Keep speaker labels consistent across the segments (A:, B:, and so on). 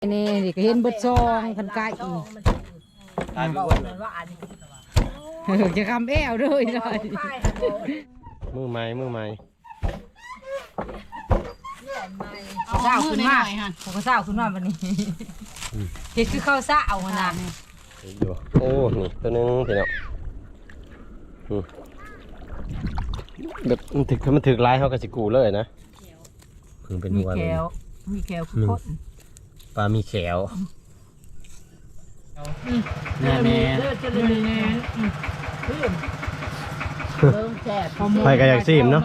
A: นี่ดิก็เห็นเบิดซองคันไก่จะคำแอวด้วยหน่อย
B: มือไม้
A: เศร้าขึ้นมาผมก็เศร้าขึ้นมาวันนี้เห็ดคือข้าวเศร้าขนาดนี้
B: อยู่โอ้นี่ตัวนึงพี่น้องแบบมันถึกลายเขาก็สิกูเลยนะคือเป็นหัวเลย
A: มีแขวคือคน
B: ปลามีแขว
A: แม่
B: ไปกันอยากซีมเนาะ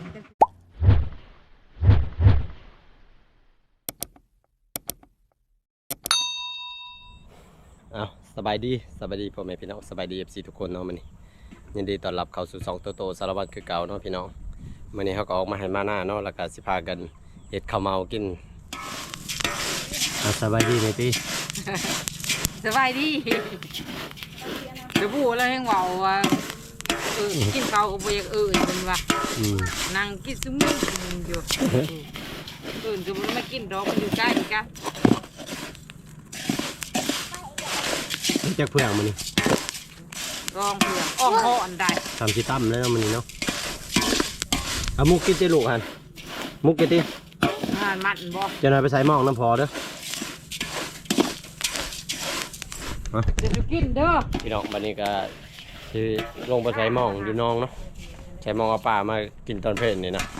B: เอาสบายดีพ่อแม่พี่น้องสบายดีFCทุกคนเนาะมันนี่ยินดีต้อนรับเข้าสู่สองโตสารวัตรคือเก่าเนาะพี่น้องมันนี้เขาก็ออกมาให้มาหน้าเนาะแล้วก็สิพากันเห็ดข้าวเมากินสบายดีไหมพี่
A: สบายดีเดี๋ยวพูดแล้วให้เบาว่ากินข้าวกับเบียร์เป็นว่านั่งกินซุ้มอยู่ก็ไม่กินดอกมันอยู่ใกล้กัน
B: จากเพื่อนมันนี่
A: รองเพื่อนอ้อมห่ออันใด
B: ทำชีตั้มแล้วมันนี่เนาะเอามุกกินเจลูกหันมุกกินดิ
A: มันบ่
B: จะนายไปใส่หม้อน้ำพอเด้อ
A: จะกินเด้อ
B: พี่น้องวันนี้ก็ที่ลงไปใส่หม้ออยู่น้องเนาะใส่หม้อเอาปลามากินตอนเพลนนี่นะ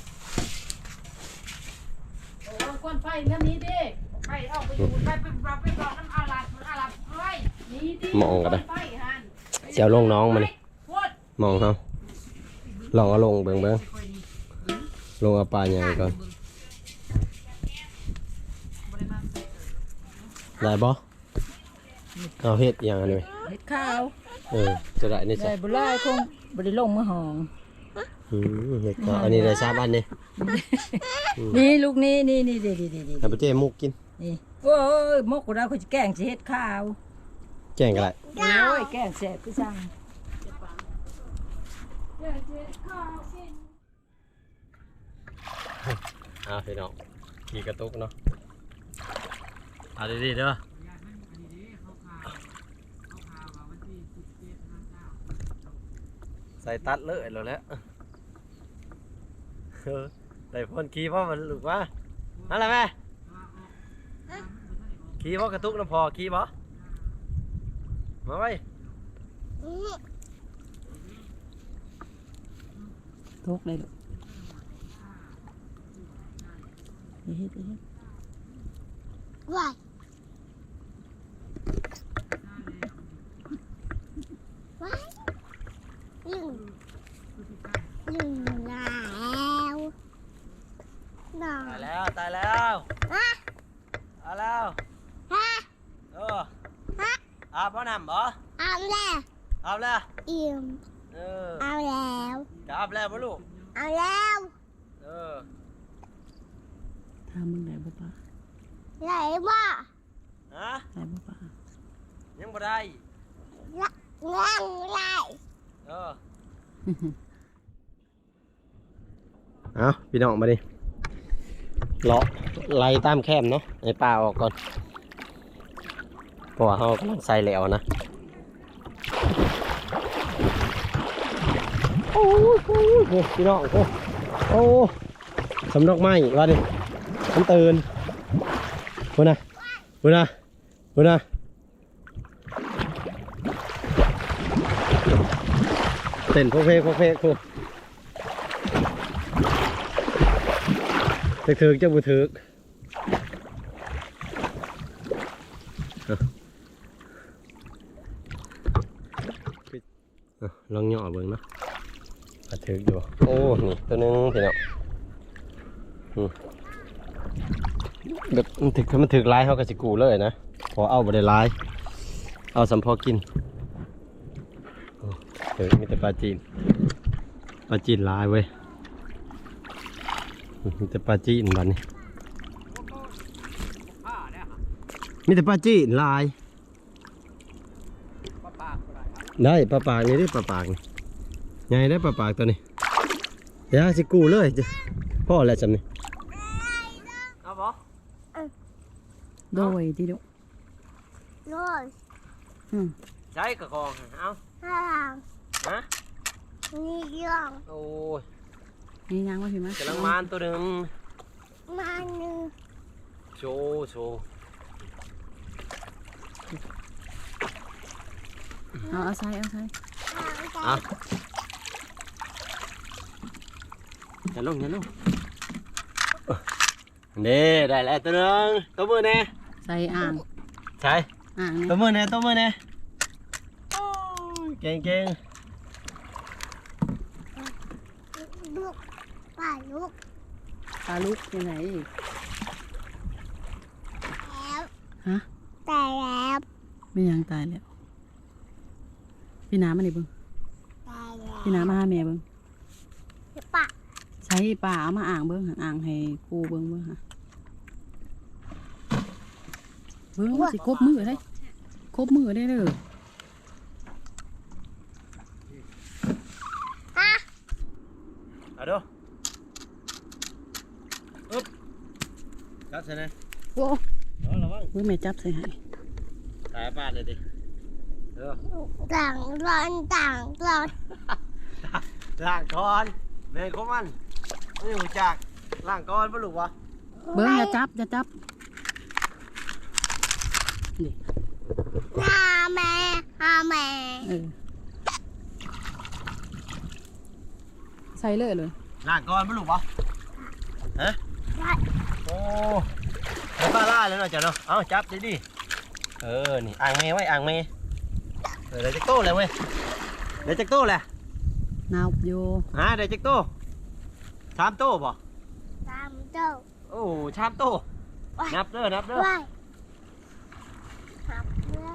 A: ก้อนไฟน้ำนี้ดิไฟออกไปอยู่ไฟไปบอกน้ำอาลัดไฟนี่ดิ
B: มองกันได้เจ้าลงน้องมันมองเขาลองเอาลงเบิ่งลงเอาปลาใหญ่ก่อนได้บ่เอาเห็ดอย่างนี้
A: เห็ดข้าว
B: จะได้นี่ใช่
A: บุไลคงบริลงมือหอง
B: เห็ดข้าวอันนี้ได้3 อันนี่
A: นี่ลูกนี่ดี
B: แต่ประเจ๊มุกกิน
A: นี่โอ้ยมุกกูได้คุณจะแกงเห็ดข้าว
B: แกงอะไร
A: โอ้ยแกงแซ่บพี่ช่าง
B: พี่น้องขี่กระตุกเนาะเอาดีๆเด้อใส่ตัดเลยแล้วแหละแต่พ่นขี่เพราะมันหลุดว่าอะไรแม่ขี่เพราะกระตุกน้ำพอขี่บ่มาไว้
A: ทุกเลยลูก
C: ว้าย
B: ตายแล้วเอาแล้วอาบบ่น้ำบ่
C: เอาแล้ว
B: อาบแล้ว
C: อิ่มเอาแล้ว
B: จะอาบแล้วบ่ลูก
C: เอาแล้ว
A: ทำมึงได้บ่ป้า
C: ได้บ่
B: ฮะ
A: ได้บ่ป้า
B: ยังบ่ได้
C: ได้
B: เอาพี่น้องมาดิเลาะไล่ตามแคมเนาะให้ปลาออกก่อนเพราะว่าเขากำลังใส่แล้วนะโอ้พี่น้องโอ้สำนกไม้ว่าดิมันตื่นพูดนะเต้นพวกเพกพวกถึกจะบุถึกลองย่อเบิ่งเนาะถึกอยู่โอ้นี่ตัวนึงพี่น้องแบบมันถึกลายเขาก็สิกูเลยนะพอเอาไปได้ลายเอาสำพอกินมีแต่ปลาจีนลายเว้ยมีแต่ปลาจีนบ้านนี้มีแต่ปลาจีนลายได้ปลาปากนี่ดิปลาปากไงได้ปลาปากตัวนี้เดี๋ยวสิกูเลยพ่ออะไรจำนี่เอาบ่
A: โดยที่ดุ
C: โรย
B: ใช้กระกองเอา
C: ห้าง
B: ฮะ
C: นี่ย่อง
B: โอ้ย
A: นี่ยังว่าพี่มั้ย
B: กำลังมานตัวหนึ่ง
C: มาหนึ่ง
B: โชว์โชว์
A: เอาใส่
C: ทาง
B: อ่ะอย่าลงนี่ได้แล้วตัวหนึ่งตัวมือแน่
A: ใส่อ่าง
B: ใช่
A: อ่าง
B: ตัวมือแน่โอ้ยเก่ง
C: ลูกป่าลูก
A: ปลาลูกยังไง
C: แล้ว
A: ฮะ
C: แต่แล้ว
A: ไม่ยังตายแล้วพี่น้ำมาดิเบิ้ง
C: แต่แล้ว
A: พี่น้ำมาหาแม่เบิ้ง
C: ป่า
A: ใช้ปลาเอามาอ่างเบิ้งอ่างให้กูเบิ้งฮะเบิ้งสิครบมือได้เลย
B: เอาดูอึ๊บจับใช่ไหม
A: โอ้
B: ระวัง
A: เบิ้งแม่จับใส่ให้
B: ตายบ้านเลยดิเออ
C: ต่างร้อนต่างร้อน
B: ล่างก่อนแม่ของมันไม่หูจักล่างก่อนปะลูกวะ
A: เบิ้งอย่าจับนี่
C: หาแม่
A: ใส่เลย
B: ล่างก่อนปะลูกวะฮะโอ้ไอ้ป้าล่าเลยเนาะจ้ะเนาะเอาจับดิเออนี่อ่างเมย์ไว้อ่างเมย์เดี๋ยวจะโต้เลยเว้ยเดี๋ยวจะโต้แหละ
A: นาวโย
B: ฮะเดี๋ยวจะโต้ชามโต้บ่
C: ตามเจ้า
B: โอ้ชามโต้นับเด้อ
C: ไว้ครับเพื่อน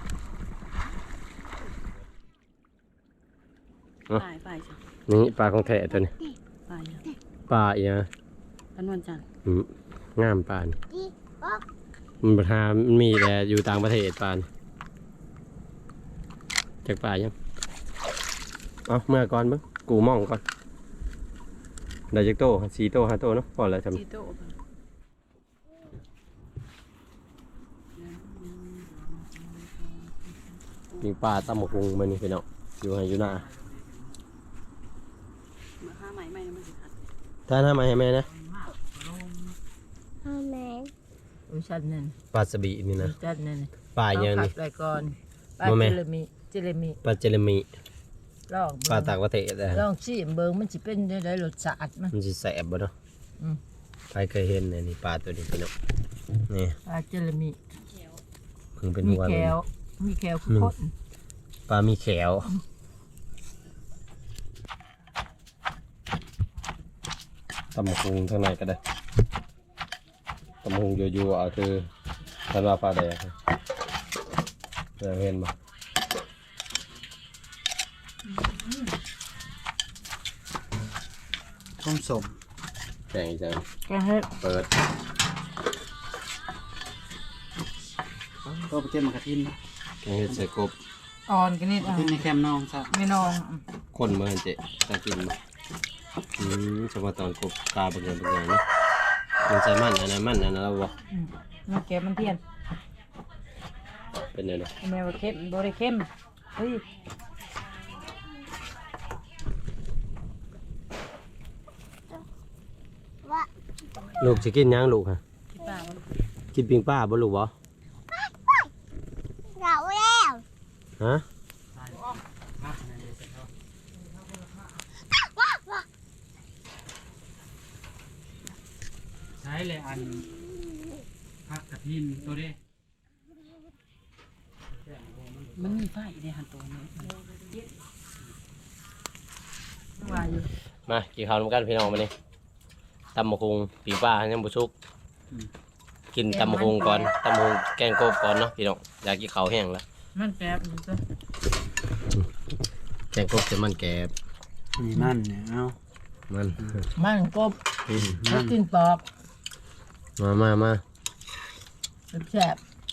A: ไปจ้ะ
B: นี่ปลาของแท้ตัวนี้
A: ไปจ้ะ
B: ปลาอีกนะ
A: พันวันจันทร์
B: งามปลานี่
C: ที่บอก
B: มันประทามันมีแต่อยู่ต่างประเทศปลานี่จากปลายังเอาเมื่อก่อนมึงกูมองก่อนได้จากโต้4 โต้ 5 โต้เนาะพอแล้วจำ
A: จีโต้
B: มีปลาตำหมกหุงมันนี่พี่น้องอยู่ให้อยู่หน้า
A: มาห้าใหม่มันสิขัด
B: ถ้าทำไมให้แม่นะ
C: ทำไม
D: อุ้ยชัดนั่น
B: ปลาสบีนี่นะ
D: ชัดนั่น
B: ปลาอย่าง
D: ขั
B: นี้
D: ดไว้ก่อนปลา
B: บ่แม่
D: เจเลมี
B: ปลาเจลามี
D: ลอง
B: ปลา
D: เบิ่ง
B: ต่างประเทศนะ
D: ลองชิมเบิ่งมันสิเป็นได้รสชาติมัน
B: มันจะแสบบ่เนาะ
D: อืม
B: ใครเคยเห็นเนี่ยนี่ปลาตัวนี้พี่น้องนี่
D: ปลาเจเลมี
B: เพิ่งเป็น
D: มี
B: หัว
D: แค
B: เลย
D: วมีแควคือคน
B: ปลามีแขวตำหมกหุงข้างในก็ได้ตำหมกหุงอยู่ๆเอาคือทันว่าปลาแดงเห็นบ่
E: ต้มสม
B: แกงอีจัง
D: แกงเฮ็ด
B: เปิด
E: ก็ไปเก็บมากระทินนะ
B: แกงเห็ดใส่กบ
D: อ่อนกันนิด
E: กระทินในแคมป์น้องซะ
D: ไม่น้อง
B: คนเมื่อเจ๊จะกินบ่เฉพาะตอนกบตาเบิ่งเนาะมันใส่มันอันนั้นแล้วบ่
D: มันแกมันเทียน
B: เป็นไงเนาะ
D: แม่ว่าเข้มบ่ได้เข้มเฮ้ย
C: ว่า
B: ลูกสิกินหยังลูกฮะ
A: ที่ป่ามัน
B: กินปิ้งปลาบ่ลูกบ่
C: เราแล้ว
B: ฮะ
E: ใช้เลยอันพักกระทินตัวนี้
A: มันมีไฟในหันตัวนี้
D: ว่าอยู่
B: มากินข้าวนำกันพี่น้องมานี่ตำมะคุงปีป้ายังบุชุกกินตำมะคุงก่อนตำมะคุงแกงกบก่อนเนาะพี่น้องอยากกินข้าวแห้งแล้ว
D: มันแกบอยู่ซะ
B: แกงกบจะมันแกบ
E: มีมันเนี่ยเอา
B: มัน
D: มันกบ
B: อืม
D: แล้วกินปอก
B: มา
D: แซ่บ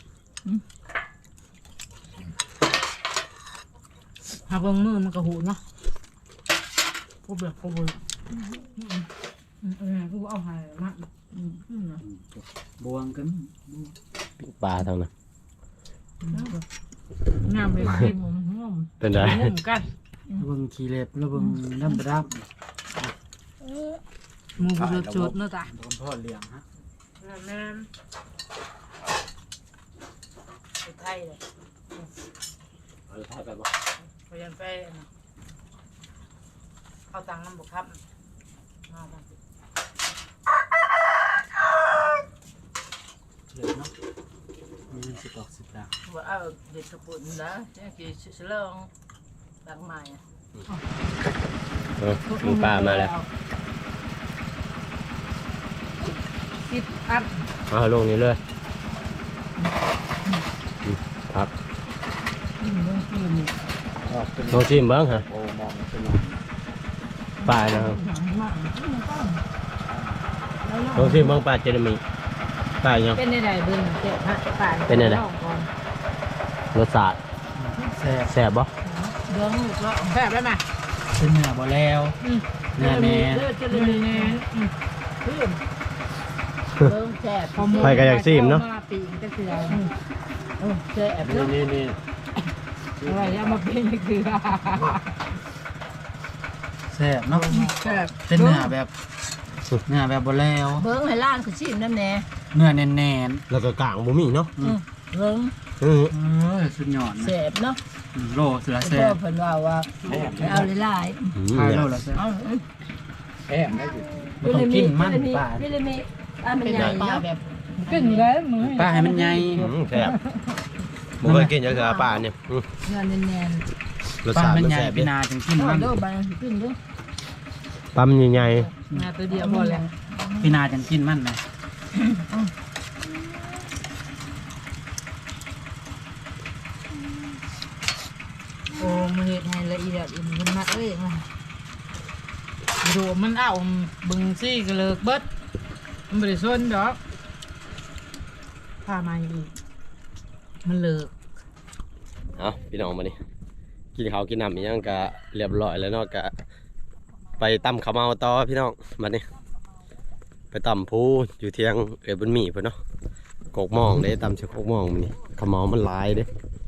D: หาเบิ่งมือมันก็หูเนาะกูเบื่อกูเบื่อกูเอาหายมา
E: บวงกัน
B: ปิ้งปลาเท่านั้น
D: งามเลยทีผมงม
B: เป็นไง
D: งมกัน
E: แล้วเบิ่งขี้เล็บแล้วเบิ่งน้ำดับ
D: หมูกระจุดเนาะตา
E: โดนพ่อเลี้ยงฮะ
D: แม่นไปไทยเลย
B: ไปบ่
D: พยันไปเข้าตังน้ำบุกครับมาบ้าง
E: เหลือเนาะมีเงิน10 ดอก 10 ดาว
D: ว่าเอาเด็ดกระปุ่นนะเนี่ยกี่เสลงตังใหม่
B: ปิ้งปลามาแล้ว
D: สิบอัน
B: เอาลงนี้เลยครับ
E: ออกเป็น
B: ลองชิมเบ้างฮะ
E: โอ้มองเป็น
B: ปลานะครับลองชิมเบ้างปลาเจลามีปลายัง
D: เป็นในใดเบิ่งเจ็บฮะป่าน
B: เป็นไงล่ะ รสชาติ
E: แซ่บ
B: แซ่บบ่
D: เบิ่งลูกแล้วแซ่บได้ไหม
E: เป็นเนื้อบ่แล้วเนื้อแน่
D: เลือดจะเลยแน่เบิ่งแซ่บ
B: ไปกันอยากชิมเนาะ
D: มาปีกก็คือแซ่บเนาะ
B: นี่
D: อะไรเอามาเป็นก็คือ
E: แซ่บเนาะ
D: แซ่บ
E: เป็นเนื้อแบบบ่แล้ว
D: เบิ่งให้ล้านคือชิมน้ำแน่
E: เนื้อแน่น
B: แล้วก็กลางบ่มีเนาะ
D: เบิ่ง
E: สุดยอดนะ
D: แซ่บเนาะ
E: โลสุดละแซ่
D: พ่
E: บ
D: อเพิ่นว่าเอาหลาย
E: ขายโลละแซ่บ
D: ๆเอา
E: แซ่บได้อยู่บ่ต้องกินมันปลา
D: ไม่ได้มีมันใหญ่เนาะแบบกินแล้วมึง
E: ปลาให้มันใหญ่
B: แซ่บบ่เคยกินจักเทื่อปลาเนี่ย
D: เงินแน่น
B: รส
E: ปลา
B: ชาติ
E: มัน
B: มัน
E: ใหญ่
B: แซ่บ
E: พี่นาจังกิน
D: ๆ
E: มัน
D: เด้อบางกินเด้อ
B: ปลามันใหญ่
D: งาตัวเดียวพอแล้ว
E: พี่นาจังกินมันนะ
D: โอ้มันเฮ็ดให้ละเอียดมันมักเอ้ยดูมันเอาบึงซี่ก็เลิกเบิดมันบ่ได้สนดอกพามาอีกมันเลิก
B: ๆเอาพี่น้องมานี่กินข้าวกินน้ำอีหยังก็เรียบร้อยแล้วเนาะก็ไปตำข้าวเมาต่อพี่น้องมานี่ไปตำผู้อยู่เที่ยงบุญมีเพิ่นเนาะกกหมองเด้ตำเชือกกกหมองมื้อนี้ข้าวเมามันหลายเด้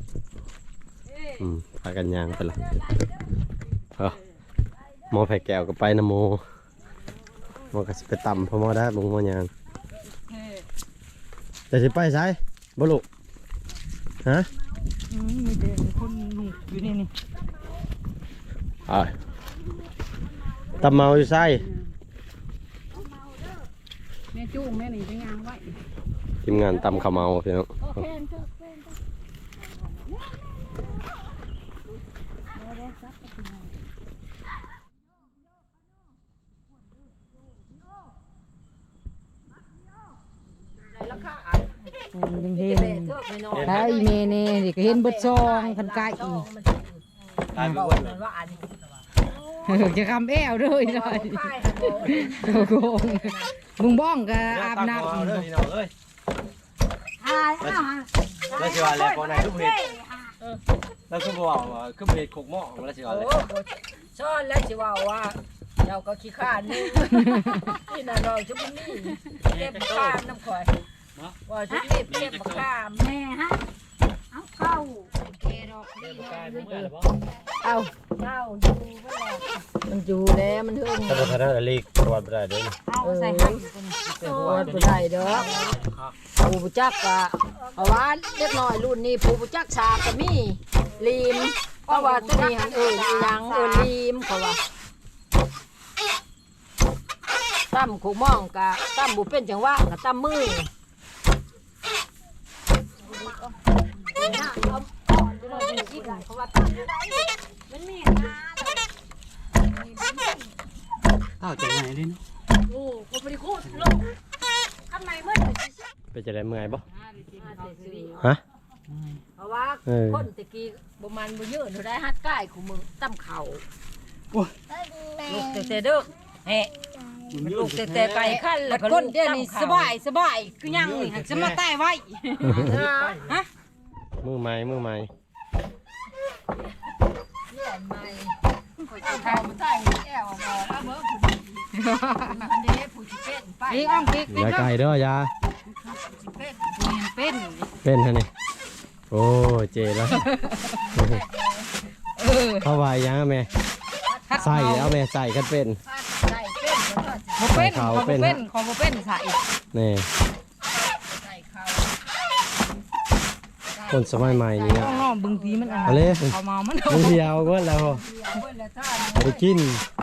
B: พากันย่างไปละหมอไผ่แก้วก็ไปนะโมหมอก็สิไปตำเพราะหมอได้บ่หมอย่างจะสิไปไสบ่ลูกฮะ
D: มีเด็กคนหนุ่มอยู่นี่
B: ตำเมาอยู่ไส
A: แม่จู้แม่นี่ไปงานไว้
B: ทีมงานตำข้าวเมาพี่น้อง
A: ยังเห็นถ้าอีเมเน่นี่ก็เห็นเบิดซองคันไก่อีก
B: ตายไปอ้วนเลย
A: จะคำแอวด้วยหน่อยโกงมึงบ้องก็อาบน้ำ
B: เด้อพี่น้องเอ้ยแล้วสิว่าแล้วก่อนไหนทุกเฮ็ดแล้วคือบ่ว่าคือเฮ็ดกกหม้อแล้วสิว่าแล้ว
D: ซ่อนแล้วสิว่าว่าเราก็ขี้ข้านนี่นี่น่ะเราชุบนี่เก็บข้ามน้ำข่อยว่าชุบนี่เก็บข้าม
C: แม่ฮะเอาเข้า
D: เอาเจ้าอยู่บ่แล้วมันอยู่แล้วมันเฮิง
B: ถ้าบ่ทันได้ลีกประวัติบ่ได้เด้อ
C: เอาใส่ให้
D: แต่หัวบ่ได้ดอกผู้บ่จักก็เอาว่าเล็กน้อยรุ่นนี้ผู้บ่จักชาก็มีลีมเพราะว่าตัวนี้หันอีหยังลีมเขาว่าตั้มขู่ม่องกะตั้มบุเป็นจังหวะกะตั้มมือมันมีงา
E: เต้าจังไงเลยเนาะ
D: โอ้ผมไม่ได้พูดลงทำไมเมื่อไหร่
B: ไปจะได้เมื่อยบ่ฮะ
D: เพราะว่าคนตะกี้ประมาณบ่เยอะหนูได้ฮัดใกล้ของมึงตั้มเข่าลูกแต่เด้อเฮ้ลูกแต่ไปขั้นแล้วก็คนเดี๋ยวนี้สบายคือยังนี่จะมาใต้ไว้ฮะ
B: มือใหม่
D: เลื่อนใหม่ข่อยจะทำใต้แก้วมาแล้วเมื่อผู้อันนี้ผู้ที่เป็นไป
A: นี่อ้อมกิ๊ก
B: อย่าไกลเด้อยา
D: เป็น
A: เป็น
B: เป็นฮะนี่โอ้เจแล้ว เข้าไว้ยังแม่ใส่เอาแม่ใส่กันเป็น
D: ใส่เป็นแล้วก็
A: บ่เป็น
B: เขา
A: ของ
B: เป็
A: บ่
B: น
A: เป็นของบ่เป็นใส่
B: นี่
D: ใส่เขา
B: คนสมัยใหม่นี่นะ
A: น้องๆบางทีมันอัน
B: เอาเลย
A: เขาเมามัน
B: มึงเดียวเบิดแล้ว
D: เอาไว้แล้วท่าน
B: เอาไปกิน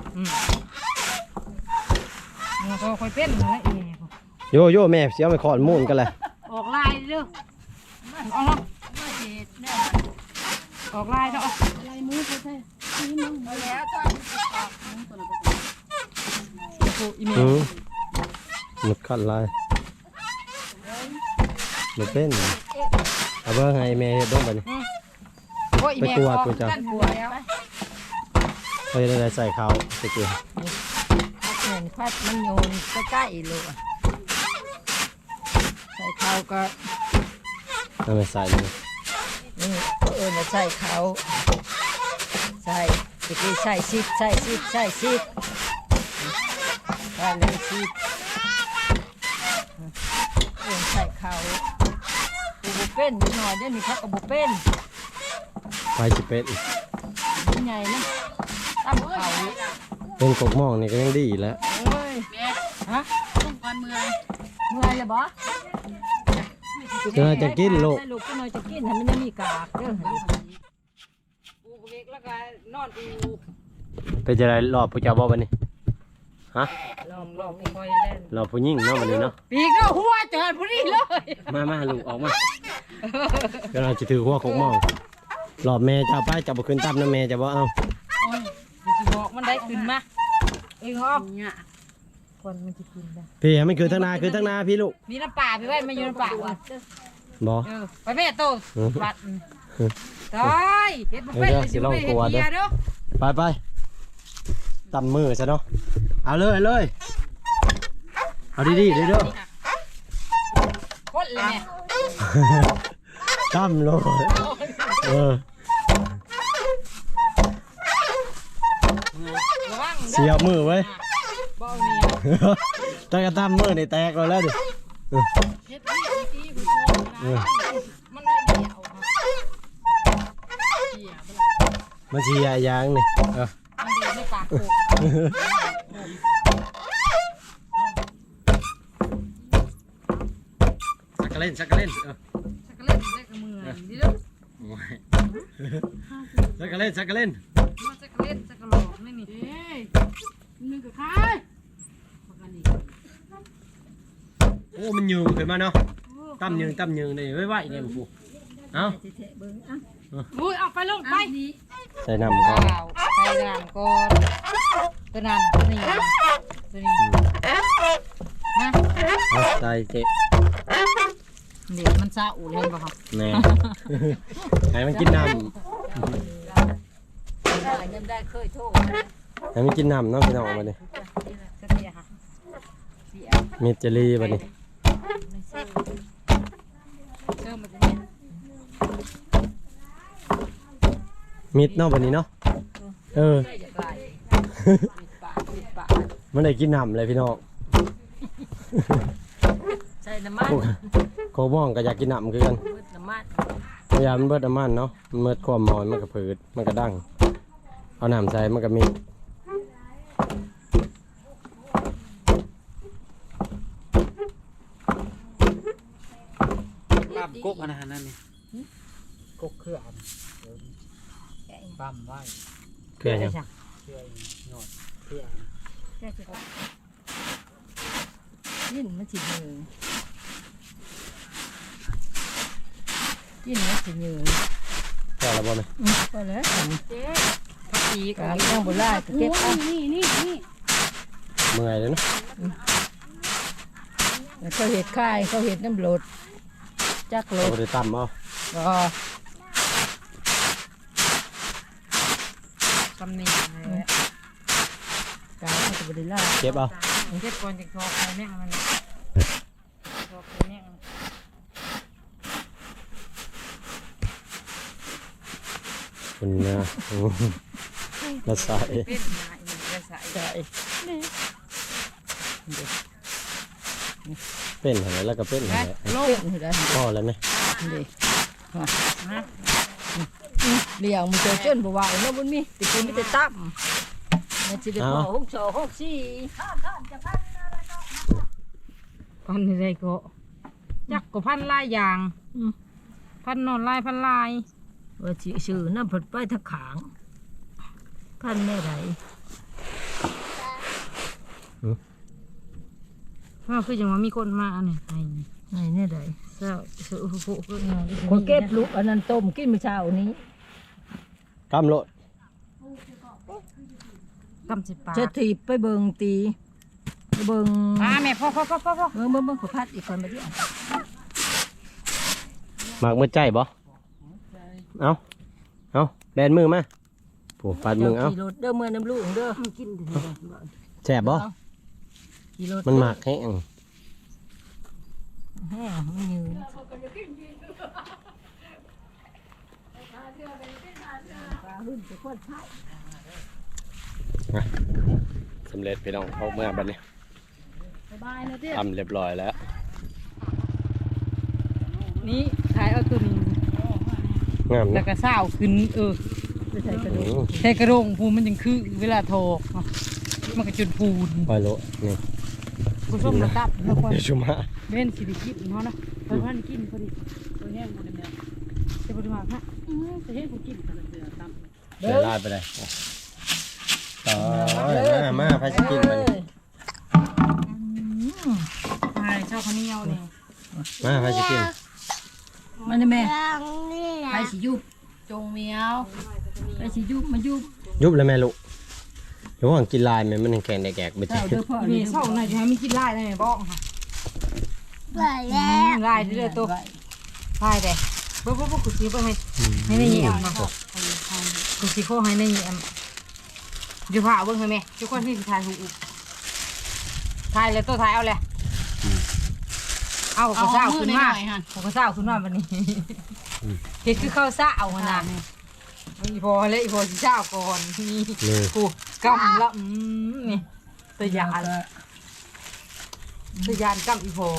A: มันก็ค่อยเป็นนั่นแหละอีแม่
B: โยโย่แม่เสียไปขอนมูนกันเลย
A: ออกลายเด้อเอาเนาะ
D: มาเห็ดเนี่ย
A: ออกลายเนาะ
C: อะไรมือเขาใช่นี่มึง
D: เอาแล้วท่าน
A: โอ้อีแม่
B: หมดขัดลายหมดเป็นเอาเบอร์ให้แม่เฮ็ดบ้างไปนี่
A: โอ้อีแม่
B: ไปกลัวกูจ้ะ
A: กันบัวแล้ว
B: เฮ้ยได้ใส่ข้าวใส่เกลือ
D: เหมือนพัดมันโยนใกล้ๆเลยใส่เขาก็
B: เอาไปใส่เลย
D: นี่มาใส่เขาใส่ตะกี้ใส่ซิดใส่ซิดใส่ซิดใส่เลยซิดใส่เขาบุเป็นนิดหน่อยเดี๋ยวนี้เขาก็บุเป็น
B: ไปสิเป็ด
D: นี่ไงนะตั้มเขา
B: เป็นกกหม่องนี่ก็ยังดีแล้ว
D: เอ้ยฮะ
C: ต้องการเมื่อย
D: เมื่อยเลยบ่
B: เจอจะกินลูก
D: ให้ลูกก็น้อยจะกินให้มันยังมีกากเด้อ
A: อูเวกแล้วก็นอนอู
B: ไปจะได้รอบผู้เจ้าบ่บัดนี้ฮะ
A: ลองค่อยๆเล่น
B: รอบผู้หญิงเนาะบัดนี้เนาะ
A: ปีกก็หัวเจอผู้นี้เลย
B: มาลูกออกมาก็เราจะถือหัวกกหม่องรอบแม่จะเอาไปจะบ่ขึ้นตับนะแม่จะบ่เอา
A: โอ้ยเดี๋ยวสิบอกมันได้ขึ้นมาเองฮอก
C: เนี่ย
D: คนมันจะกินได้
B: พี่ให้มันคือทั้งนาพี่ลูก
A: มีน้ำป่าไปไว้มาอยู่น้ำป่าว่ะ
B: บ่
A: ไปแม่โตบัดตายเฮ็ดบ่เป็นเลยสิไปเฮ็ดเบียร์เด้อ
B: ไปตำมือซะเนาะเอาเลยเอาดีๆเด้อ
A: คนเลยแม่
B: ตำเลยเออ
A: ระวัง
B: เสียมือไว้
A: บ่เอาเนี่ย
B: ตั้งแต่ตำมือนี่แตกแล้วดิ
A: เฮ็ดเบียร์ที่ผู้ชมนะมันได้เดียวเบียร์บ่ล่ะ
B: มันเสียยางนี่เออ
A: มันเดินในปากโขก
B: สักกะเล่นเออ
A: สักเล่นได้กับมือนี่เด้อ
B: สักกะเล่น
A: มาสักเล่นสักกะหลอกนี่นี่
C: เอ้ยนึงกับใคร
B: โอ้มันยืงขึ้นมาเนาะตั้มยืงนี่ไว้เนี่ยปู่เอา
C: อุ้ยเอาไปลงไป
B: ใส่น้ำก่อน
A: ข้าวใส่น้ำก่อนตัวนั้นตัวนี้ตัวนี้นะ
B: เอาใส่เจ๊
A: เดี๋ยวมันซาอูเลยบ่ครับ
B: แน่ให้มันกินน้
D: ยังได้เคยโทษ
B: ำให้มันกินน้ำเนาะพี่น้องมาดิ
A: เสียค่ะเสีย
B: มีเจลลี่มาดิ
A: เชื่อมันจะเนี่ย
B: มิดเนาะบัดนี้เนาะเออ
D: ได้จะไกลปิดปาก
B: มันได้กินน้ำเลยพี่น้อง
D: ใส่น้ำมัน
B: โคบ้องก็อยากกินน้ำคือกัน
D: มืดน้ำมัน
B: พยายามมันเบิดน้ำมันเนาะมันเบิดความมอนมันก็ผืดมันก็ดังเอาน้ำใส่มันก็มี
E: ลาบกกอันนั้นนี่กกเครืออันปั๊มไว้
B: เกลือยัง
E: เครือหยอดเครือ
D: แค่จะกินมันสิเหนื่อยกินมันสิเหนื่อย
B: พอแล้วบ่ไหม
D: ก็แล้ว
A: ผักชี
D: กา
A: กับ
D: รต้องบุล่าเก็บเอา
C: นี่
B: เมื่อยเลยเนาะ
D: เขาเห็ดค่ายเขาเห็ดน้ำโหลดจักโหล
B: เอา
D: ด
B: ไปตำเอา
D: ก็
A: ตำหนิอะไร
D: การเขาจะบุล่า
B: เก็บเอา
A: เก็บก่อนจะทอกไปแม่งมันทอกไปแม่ง
B: คุณนะมาใส่
A: เป็นนายมันจะใส่
D: ใส่
B: เป็นอะไรแล้วก็เป็นอะไร
D: โลกนี่ได้
B: พ่อแล้วไหม
D: ดิเลี้ยงมันเจอจนบ่ว่าแล้วมันมีติกูมีแต่ตั้มมันสิได้พอ6 2 6 4
A: พันอะไรก็จักก็พันลายอย่างพันนอนลายพันลาย
D: ว่าสิชื่อน้ำผดไปทางขางพันแม่ใด
A: เพราะคือจังว่ามีคนมาอันนี้ไอ้
D: ไหนแน่ใด
A: เจ้าสุโขก็งาน
D: คนเก็บลูกอันนั้นต้มกินมื้อเช้านี้
B: กำโลด
A: กำสิปา
D: จะถีบไปเบิ่งตีไปเบิ่ง
A: แม่พ่อเ
D: บิ่งขอพัดอีกคนมาดิ
B: หมากมือใจบ่เอาแบนมือมาผูกปัดมือเอา
D: ขี่รถเด้อเมื่อน้ำลูกเด้อกิน
B: แซ่บบ่
D: ขี่รถ
B: มันหมากแห้ง
D: แห้งมันยืน
B: สำเร็จพี่น้องเอาเมื่อบัดนี้
C: สบายนะเตี้ย
B: ทำเรียบร้อยแล้ว
A: นี่ขายเอาตัวนี้
B: งาม
A: แล้
B: นะ
A: วก็เศร้าขึ้นใส่กระโดงพูมันยังคือเวลาโทรมันก็จุดพูน
B: ปล่อยโลนี่
A: ผู้ชมระดับแล้วคน
B: เดี๋ยวชุมา
A: เล่นสิริกินเนาะเพิ่นกินพอดี
C: ตัวเนี้ยมันเนี่ย
A: จะบ่ได้มาฮะ
C: จะเห็นกูกินกันเสือตั้ม
B: เดี๋ยวลาดไปเลยต่อมาพาสกินมานี่
A: ใช่ชอบข้าวเหนียวนี่
B: มาพาสกิน
D: มันนี่แม่ไปสิยุบจงเมียวไปสิยุบมายุบ
B: ยุบเลยแม่ลูกเดี๋ยวว่างกินลายมันแข็งแดกๆไป
D: เจ้า
B: จ้ะ
D: เด้อพ่อ
A: นี่เศร้าหน่อยจะให้มันกินลายได้ไหมบอกค่ะลายเรื่อยตัวลายแต่บ่กูสิบ่ให้ในแยมเนาะกูสิขอให้ในแยมอยู่ผ่าเบิ่งให้แม่ทุกคนที่สิถ่ายรูปถ่ายเลยตัวถ่ายเอาเลยเอาข้าวเช้าขึ้นมาข้าวเช้าขึ้นมาวันนี้เฮ็ดคือข้าวเช้าหั่นน่ะอีพอเลยอีพอสิเช้าก่อนนี่กูกำละนี่ตะยานกำอีพอ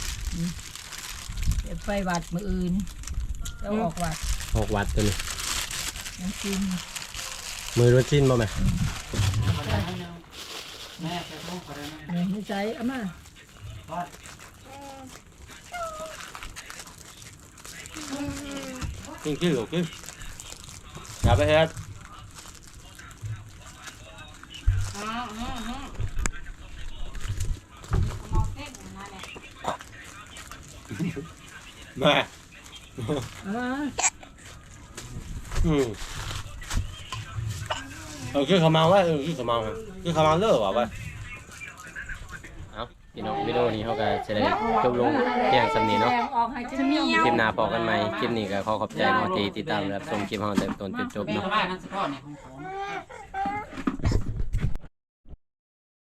D: ไปวัดมื้ออื่นจะออกวัด
B: ออกวัดตัวนี้
D: น้ำกิน
B: มือรถชิ้นบ่แม่
D: ในใจอามา
B: กินโอเคอย่าไปเฮ็ดแม่คือเขาเมาว่าคือเขาเมาคือเขาเมาเลิกว่ะเว้ยเอาพี่น้องวิดีโอนี้เขาก็จะได้จบลงเพียงสำนี้เนาะ
D: ออกให้จะมี
B: คลิปหน้าพอกันใหม่คลิปนี้ก็ขอขอบใจเนาะที่ติดตามรับชมคลิปเราแต่ต้นจนจบเนาะ
E: บ้านนั่นสิพ่อเนี่ยของ